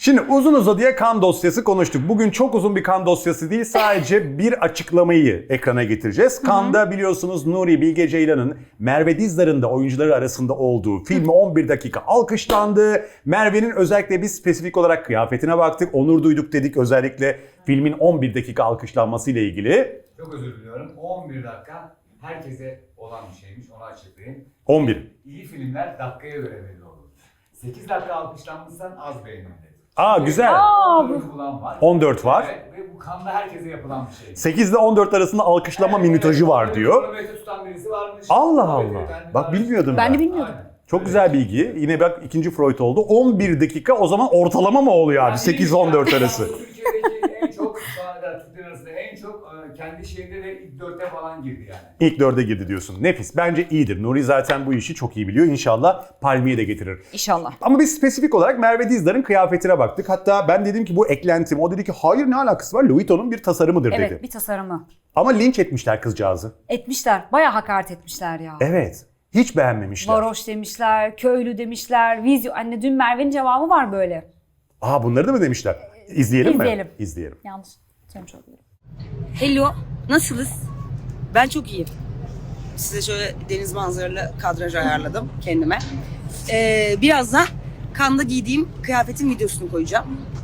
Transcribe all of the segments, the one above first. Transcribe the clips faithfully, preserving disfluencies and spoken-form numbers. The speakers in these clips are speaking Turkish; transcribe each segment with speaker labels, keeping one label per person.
Speaker 1: Şimdi uzun uzadıya kan dosyası konuştuk. Bugün çok uzun bir kan dosyası değil, sadece bir açıklamayı ekrana getireceğiz. Kanda biliyorsunuz Nuri Bilge Ceylan'ın Merve Dizdar'ın da oyuncuları arasında olduğu filmi on bir dakika alkışlandı. Merve'nin özellikle biz spesifik olarak kıyafetine baktık, onur duyduk dedik özellikle filmin on bir dakika alkışlanması ile ilgili.
Speaker 2: Çok özür diliyorum. on bir dakika herkese olan bir şeymiş, onu açıklayayım.
Speaker 1: on bir.
Speaker 2: İyi filmler dakikaya göre belli olur. sekiz dakika alkışlanmışsan az beğenildi.
Speaker 1: Aa güzel.
Speaker 3: Aa,
Speaker 2: on dört bulan var.
Speaker 1: on dört var.
Speaker 2: Evet, ve bu kanda herkese yapılan bir şey.
Speaker 1: sekiz ile on dört arasında alkışlama
Speaker 2: Evet,
Speaker 1: minutajı
Speaker 2: evet.
Speaker 1: var diyor.
Speaker 2: Kronometre tutan birisi varmış.
Speaker 1: Allah
Speaker 2: Kronometre
Speaker 1: Allah.
Speaker 2: kendi
Speaker 1: Bak
Speaker 2: var.
Speaker 1: bilmiyordum
Speaker 3: Ben
Speaker 1: ben.
Speaker 3: de bilmiyordum.
Speaker 2: Aynen.
Speaker 1: Çok
Speaker 2: Evet.
Speaker 1: güzel bilgi. Yine bak ikinci Freud oldu. on bir dakika o zaman ortalama mı oluyor abi?
Speaker 2: Yani
Speaker 1: sekiz
Speaker 2: ilk-
Speaker 1: on dört arası.
Speaker 2: Türkiye'deki en çok, şu ana kadar Türkler arasında en çok e, kendi şeyinde de ilk dörtte falan girdi yani.
Speaker 1: İlk dörde girdi diyorsun. Nefis. Bence iyidir. Nuri zaten bu işi çok iyi biliyor. İnşallah palmiye de getirir.
Speaker 3: İnşallah.
Speaker 1: Ama biz spesifik olarak Merve Dizdar'ın kıyafetine baktık. Hatta ben dedim ki bu eklentim. O dedi ki hayır ne alakası var? Louis Vuitton'un bir tasarımıdır
Speaker 3: Evet,
Speaker 1: dedi.
Speaker 3: bir tasarımı.
Speaker 1: Ama linç etmişler kızcağızı.
Speaker 3: Etmişler. Bayağı hakaret etmişler ya.
Speaker 1: Evet. Hiç beğenmemişler.
Speaker 3: Varoş demişler, köylü demişler, vizyo. Anne dün Merve'nin cevabı var böyle.
Speaker 1: Aa bunları da mı demişler? İzleyelim,
Speaker 3: İzleyelim.
Speaker 1: mi? İzleyelim.
Speaker 3: Yanlış. Söylemiş olabilirim.
Speaker 4: Hello, nasılsınız? Ben çok iyiyim. Size şöyle deniz manzaralı kadraj ayarladım kendime. Ee, birazdan Kanda giydiğim kıyafetin videosunu koyacağım.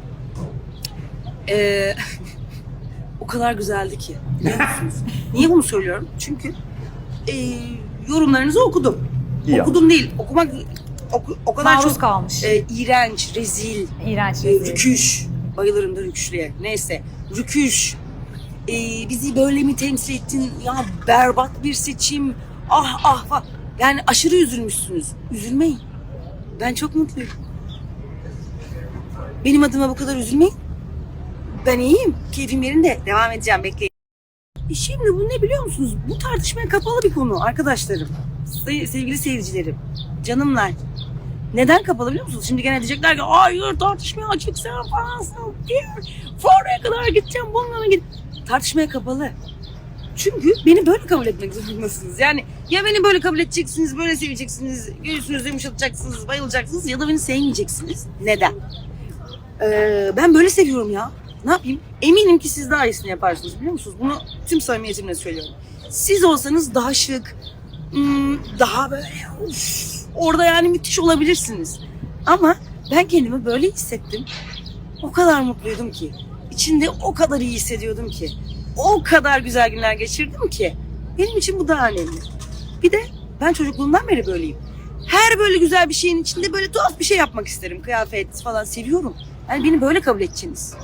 Speaker 4: Ee, o kadar güzeldi ki, biliyor musunuz? Niye bunu söylüyorum? Çünkü e, yorumlarınızı okudum.
Speaker 1: İyi
Speaker 4: okudum değil, okumak oku- o kadar
Speaker 3: Maruz
Speaker 4: çok
Speaker 3: kalmış.
Speaker 4: e, iğrenç, rezil,
Speaker 3: İğrenç.
Speaker 4: e,
Speaker 3: rezil.
Speaker 4: rüküş. Bayılırım da rüküşlüye. Neyse, rüküş. Ee, bizi böyle mi temsil ettin? Ya berbat bir seçim. Ah ah falan. Yani aşırı üzülmüşsünüz. Üzülmeyin. Ben çok mutluyum. Benim adıma bu kadar üzülmeyin. Ben iyiyim. Keyfim yerinde. Devam edeceğim. Bekleyin. E şimdi bu ne biliyor musunuz? Bu tartışmaya kapalı bir konu arkadaşlarım. Se- sevgili seyircilerim. Canımlar. Neden kapalı biliyor musunuz? Şimdi gene diyecekler ki hayır tartışmaya açık sen falansın. Fuaraya kadar gideceğim bununla git. Tartışmaya kapalı. Çünkü beni böyle kabul etmek zorundasınız. Yani ya beni böyle kabul edeceksiniz, böyle seveceksiniz, göğsünüzü yumuşatacaksınız, bayılacaksınız ya da beni sevmeyeceksiniz. Neden? Ee, ben böyle seviyorum ya. Ne yapayım? Eminim ki siz daha iyisini yaparsınız biliyor musunuz? Bunu tüm samimiyetimle söylüyorum. Siz olsanız daha şık, daha böyle uf, orada yani müthiş olabilirsiniz. Ama ben kendimi böyle hissettim. O kadar mutluydum ki. İçinde o kadar iyi hissediyordum ki. O kadar güzel günler geçirdim ki. Benim için bu daha önemli. Bir de ben çocukluğumdan beri böyleyim. Her böyle güzel bir şeyin içinde böyle tuhaf bir şey yapmak isterim. Kıyafet falan seviyorum. Yani beni böyle kabul edeceksiniz.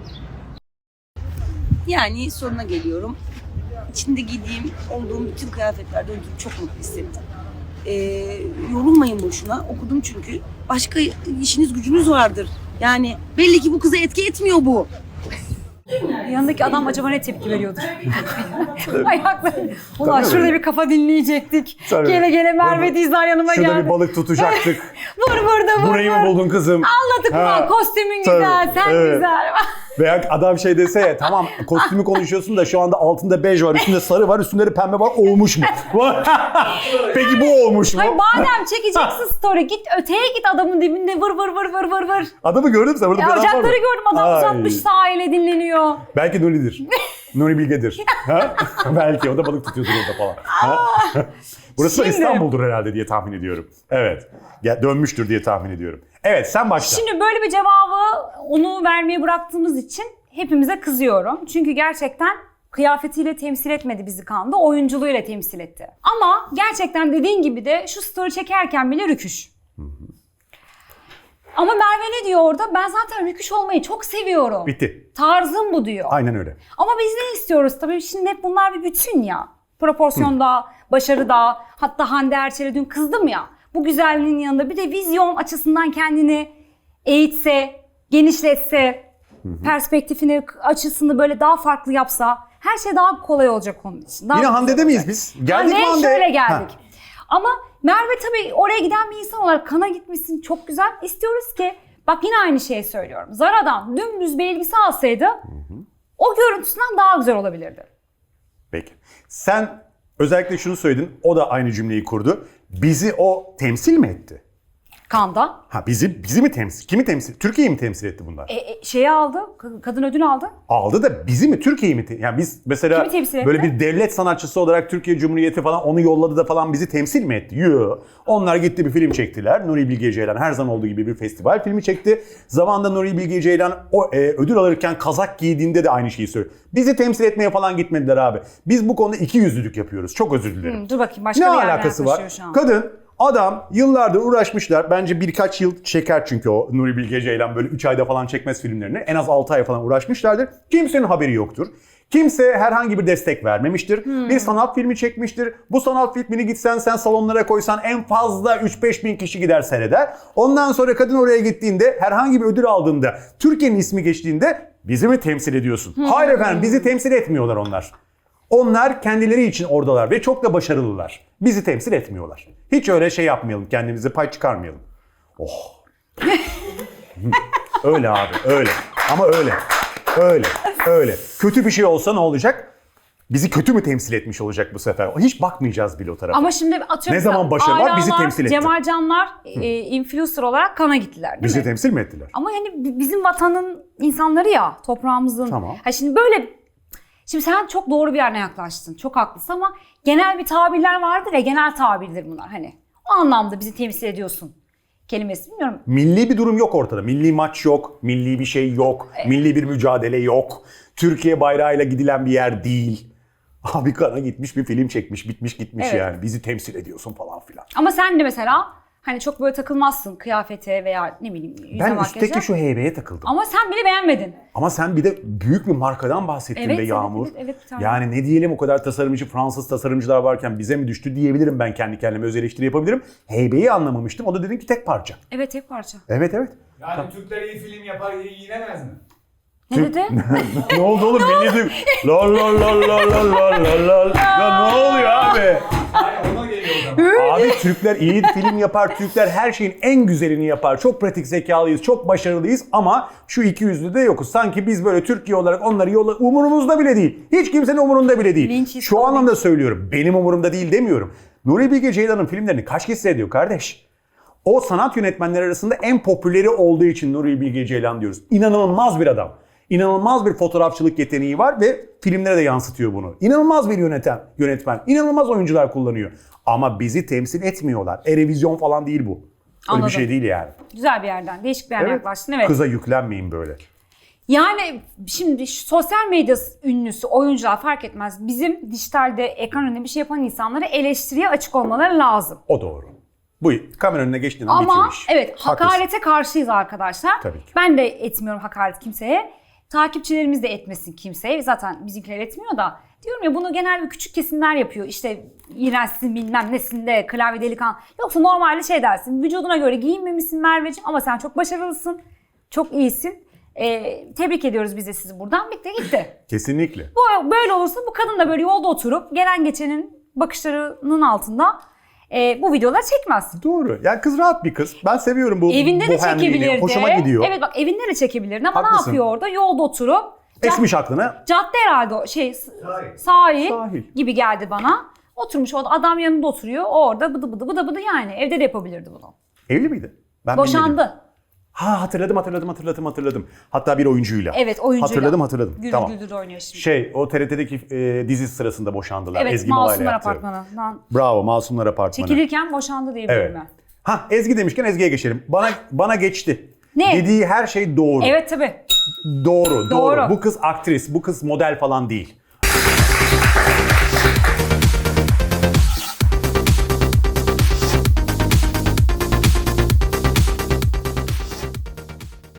Speaker 4: Yani sonuna geliyorum. İçinde giydiğim, olduğum bütün kıyafetlerde ödüm çok mutlu hissettim. Ee, yorulmayın boşuna. Okudum çünkü. Başka işiniz gücünüz vardır. Yani belli ki bu kıza etki etmiyor bu.
Speaker 3: Yanındaki adam acaba ne tepki veriyordur? Ayakları. Ulan
Speaker 1: Tabii.
Speaker 3: şurada bir kafa dinleyecektik.
Speaker 1: Tabii.
Speaker 3: Gele gele Merve
Speaker 1: Burada-
Speaker 3: Dizler yanıma
Speaker 1: Şurada
Speaker 3: geldi.
Speaker 1: bir balık tutacaktık.
Speaker 3: Vur burada vur
Speaker 1: Burayı mı
Speaker 3: vur.
Speaker 1: buldun kızım?
Speaker 3: Anladık
Speaker 1: Ha,
Speaker 3: ulan kostümün
Speaker 1: tabii,
Speaker 3: güzel, sen
Speaker 1: evet.
Speaker 3: güzel.
Speaker 1: Veya adam şey dese ya tamam kostümü konuşuyorsun da şu anda altında bej var, üstünde sarı var, üstünde de pembe var, olmuş mu? Peki bu olmuş mu?
Speaker 3: Hayır madem çekeceksin story git öteye git adamın dibinde vır vır vır vır vır vır.
Speaker 1: Adamı gördün mü sen? Burada
Speaker 3: Ya
Speaker 1: bir adam var mı?
Speaker 3: ocakları gördüm adam
Speaker 1: Ay.
Speaker 3: uzatmış sahile dinleniyor.
Speaker 1: Belki Nuri'dir. Nuri Bilge'dir. Ha? Belki o da balık tutuyordur orada falan. Ha? Burası da
Speaker 3: Şimdi-
Speaker 1: İstanbul'dur herhalde diye tahmin ediyorum. Evet. Ya, dönmüştür diye tahmin ediyorum. Evet sen başla.
Speaker 3: Şimdi böyle bir cevabı onu vermeye bıraktığımız için hepimize kızıyorum. Çünkü gerçekten kıyafetiyle temsil etmedi bizi Kanda, oyunculuğuyla temsil etti. Ama gerçekten dediğin gibi de şu story çekerken bile rüküş. Ama Merve ne diyor orada? Ben zaten rüküş olmayı çok seviyorum.
Speaker 1: Bitti.
Speaker 3: Tarzım bu diyor.
Speaker 1: Aynen öyle.
Speaker 3: Ama biz ne istiyoruz tabii? Şimdi hep bunlar bir bütün ya. Proporsiyonda, başarıda, hatta Hande Erçel'e dün kızdım ya. Bu güzelliğin yanında bir de vizyon açısından kendini eğitse, genişletse, perspektifini, açısını böyle daha farklı yapsa her şey daha kolay olacak onun için. Daha
Speaker 1: Yine
Speaker 3: güzel
Speaker 1: Hande'de
Speaker 3: olacak.
Speaker 1: miyiz biz? Geldik mi
Speaker 3: Hande'ye
Speaker 1: Hande?
Speaker 3: şöyle geldik.
Speaker 1: Ha.
Speaker 3: Ama Merve tabii oraya giden bir insan olarak kana gitmişsin çok güzel. İstiyoruz ki bak yine aynı şeyi söylüyorum. Zara'dan dümdüz bir elbise alsaydı o görüntüsünden daha güzel olabilirdi.
Speaker 1: Peki. Sen özellikle şunu söyledin. O da aynı cümleyi kurdu. Bizi o temsil mi etti?
Speaker 3: Kanda.
Speaker 1: Ha bizi bizi mi temsil? Kimi temsil? Türkiye'yi mi temsil etti bunlar?
Speaker 3: E, e, şeyi aldı. Ka- Kadın ödül aldı.
Speaker 1: Aldı da bizi mi? Türkiye'yi mi? te- Yani biz mesela
Speaker 3: Kimi temsil etti?
Speaker 1: böyle bir devlet sanatçısı olarak Türkiye Cumhuriyeti falan onu yolladı da falan bizi temsil mi etti? Yo. Onlar gitti bir film çektiler. Nuri Bilge Ceylan her zaman olduğu gibi bir festival filmi çekti. Zamanında Nuri Bilge Ceylan o e, ödül alırken kazak giydiğinde de aynı şeyi söylüyor. Bizi temsil etmeye falan gitmediler abi. Biz bu konuda iki yüzlülük yapıyoruz. Çok özür dilerim.
Speaker 3: Hı, dur bakayım başka
Speaker 1: Ne
Speaker 3: bir yerden
Speaker 1: alakası var?
Speaker 3: yaklaşıyor şu an.
Speaker 1: Kadın, adam yıllardır uğraşmışlar. Bence birkaç yıl çeker çünkü o Nuri Bilge Ceylan böyle üç ayda falan çekmez filmlerini. En az altı ay falan uğraşmışlardır. Kimsenin haberi yoktur. Kimse herhangi bir destek vermemiştir.
Speaker 3: Hmm.
Speaker 1: Bir sanat filmi çekmiştir. Bu sanat filmini gitsen sen salonlara koysan en fazla üç beş bin kişi gider seyreder. Ondan sonra kadın oraya gittiğinde herhangi bir ödül aldığında Türkiye'nin ismi geçtiğinde bizi mi temsil ediyorsun?
Speaker 3: Hmm.
Speaker 1: Hayır efendim bizi temsil etmiyorlar onlar. Onlar kendileri için oradalar ve çok da başarılılar. Bizi temsil etmiyorlar. Hiç öyle şey yapmayalım, kendimize pay çıkarmayalım. Oh. Öyle abi, öyle. Ama öyle. Öyle, öyle. Kötü bir şey olsa ne olacak? Bizi kötü mü temsil etmiş olacak bu sefer? Hiç bakmayacağız bile o tarafa.
Speaker 3: Ama şimdi atıyorum.
Speaker 1: Ne zaman başarı var, bizi
Speaker 3: Alalar,
Speaker 1: temsil etti.
Speaker 3: Cemal Canlar e, influencer olarak kana gittiler değil
Speaker 1: Bizi
Speaker 3: mi?
Speaker 1: temsil mi ettiler?
Speaker 3: Ama yani bi- bizim vatanın insanları ya, toprağımızın.
Speaker 1: Tamam.
Speaker 3: Ha şimdi böyle, şimdi sen çok doğru bir yerine yaklaştın. Çok haklısın ama genel bir tabirler vardır ya, genel tabirdir bunlar hani. O anlamda bizi temsil ediyorsun kelimesi, bilmiyorum.
Speaker 1: Milli bir durum yok ortada. Milli maç yok, milli bir şey yok, milli bir mücadele yok. Türkiye bayrağıyla gidilen bir yer değil. Abi kana gitmiş bir film çekmiş, bitmiş gitmiş
Speaker 3: Evet.
Speaker 1: yani. Bizi temsil ediyorsun falan filan.
Speaker 3: Ama sen de mesela hani çok böyle takılmazsın kıyafete veya ne bileyim yüze
Speaker 1: Ben
Speaker 3: makyaja.
Speaker 1: üstteki şu heybeye takıldım.
Speaker 3: Ama sen bile beğenmedin.
Speaker 1: Ama sen bir de büyük bir markadan bahsettin
Speaker 3: Evet,
Speaker 1: be
Speaker 3: evet,
Speaker 1: Yağmur.
Speaker 3: evet, evet, bir tane.
Speaker 1: Yani ne diyelim, o kadar tasarımcı, Fransız tasarımcılar varken bize mi düştü diyebilirim, ben kendi kendime öz eleştiri yapabilirim. Heybeyi anlamamıştım. O da dedin ki tek parça.
Speaker 3: Evet, tek parça.
Speaker 1: Evet evet.
Speaker 2: Yani Türkler iyi film yapar, iyi giyinemez mi?
Speaker 3: Ne dedi?
Speaker 1: Ne oldu oğlum? Milli dük. La la la la la la la la. Ya ne oluyor abi?
Speaker 2: Hayır, ona geliyor o zaman.
Speaker 1: Abi Türkler iyi film yapar. Türkler her şeyin en güzelini yapar. Çok pratik zekalıyız, çok başarılıyız ama şu iki yüzlü de yokuz. Sanki biz böyle Türkiye olarak onları yolla, umurumuzda bile değil. Hiç kimsenin umurunda bile değil.
Speaker 3: Linç
Speaker 1: Şu
Speaker 3: istiyor,
Speaker 1: anlamda söylüyorum. Benim umurumda değil demiyorum. Nuri Bilge Ceylan'ın filmlerini kaç kişi seyrediyor kardeş? O sanat yönetmenleri arasında en popüleri olduğu için Nuri Bilge Ceylan diyoruz. İnanılmaz bir adam. İnanılmaz bir fotoğrafçılık yeteneği var ve filmlere de yansıtıyor bunu. İnanılmaz bir yöneten, yönetmen. İnanılmaz oyuncular kullanıyor. Ama bizi temsil etmiyorlar. Erevizyon falan değil bu. Öyle
Speaker 3: Anladım.
Speaker 1: bir şey değil yani.
Speaker 3: Güzel bir yerden, değişik bir yerden
Speaker 1: Evet.
Speaker 3: yaklaştın. Evet.
Speaker 1: Kıza yüklenmeyin böyle.
Speaker 3: Yani şimdi şu sosyal medya ünlüsü, oyuncular fark etmez. Bizim dijitalde ekran önünde bir şey yapan insanlara eleştiriye açık olmaları lazım.
Speaker 1: O doğru. Bu kamera önüne geçtiğin an bitiyor
Speaker 3: Ama
Speaker 1: iş.
Speaker 3: evet,
Speaker 1: Haklısın.
Speaker 3: hakarete karşıyız arkadaşlar.
Speaker 1: Tabii ki.
Speaker 3: Ben de etmiyorum hakaret kimseye. Takipçilerimiz de etmesin kimseye. Zaten bizimkiler etmiyor da. Diyorum ya, bunu genel bir küçük kesimler yapıyor. İşte iğrençsin bilmem nesinde, klavye delikan. Yoksa normalde şey dersin, vücuduna göre giyinmemişsin Merveciğim ama sen çok başarılısın. Çok iyisin. Ee, tebrik ediyoruz biz de sizi buradan. Bitti gitti.
Speaker 1: Kesinlikle.
Speaker 3: Bu böyle olursa bu kadın da böyle yolda oturup gelen geçenin bakışlarının altında e, bu videoları çekmez.
Speaker 1: Doğru. Yani kız rahat bir kız. Ben seviyorum bu
Speaker 3: Evinde de
Speaker 1: bohemliğini.
Speaker 3: çekebilirdi.
Speaker 1: Hoşuma gidiyor.
Speaker 3: Evet bak, evinde de çekebilirdi ama
Speaker 1: Haklısın.
Speaker 3: ne yapıyor orada? Yolda oturup cad-
Speaker 1: Esmiş aklına.
Speaker 3: cadde herhalde o şey s-
Speaker 2: Sahil.
Speaker 3: sahil,
Speaker 1: Sahil.
Speaker 3: gibi geldi bana. Oturmuş orada, adam yanında oturuyor. Orada bıdı bıdı bıdı bıdı yani. Evde de yapabilirdi bunu.
Speaker 1: Evli miydi? Ben bilmedim.
Speaker 3: Boşandı.
Speaker 1: Ha hatırladım hatırladım hatırladım hatırladım. Hatta bir oyuncuyla.
Speaker 3: Evet, oyuncuyla.
Speaker 1: Hatırladım hatırladım.
Speaker 3: Güldür
Speaker 1: tamam.
Speaker 3: güldür oynuyor şimdi.
Speaker 1: Şey o T R T'deki e, dizi sırasında boşandılar.
Speaker 3: Evet,
Speaker 1: Ezgi Mola'yla
Speaker 3: Masumlar
Speaker 1: yaptı.
Speaker 3: Apartmanı'ndan
Speaker 1: Bravo, Masumlar Apartmanı.
Speaker 3: çekilirken boşandı diye
Speaker 1: Evet.
Speaker 3: biliyorum ben.
Speaker 1: Ha Ezgi demişken Ezgi'ye geçelim. Bana bana geçti.
Speaker 3: Ne?
Speaker 1: Dediği her şey doğru.
Speaker 3: Evet tabii.
Speaker 1: Doğru, doğru.
Speaker 3: Doğru.
Speaker 1: Bu kız aktris, bu kız model falan değil.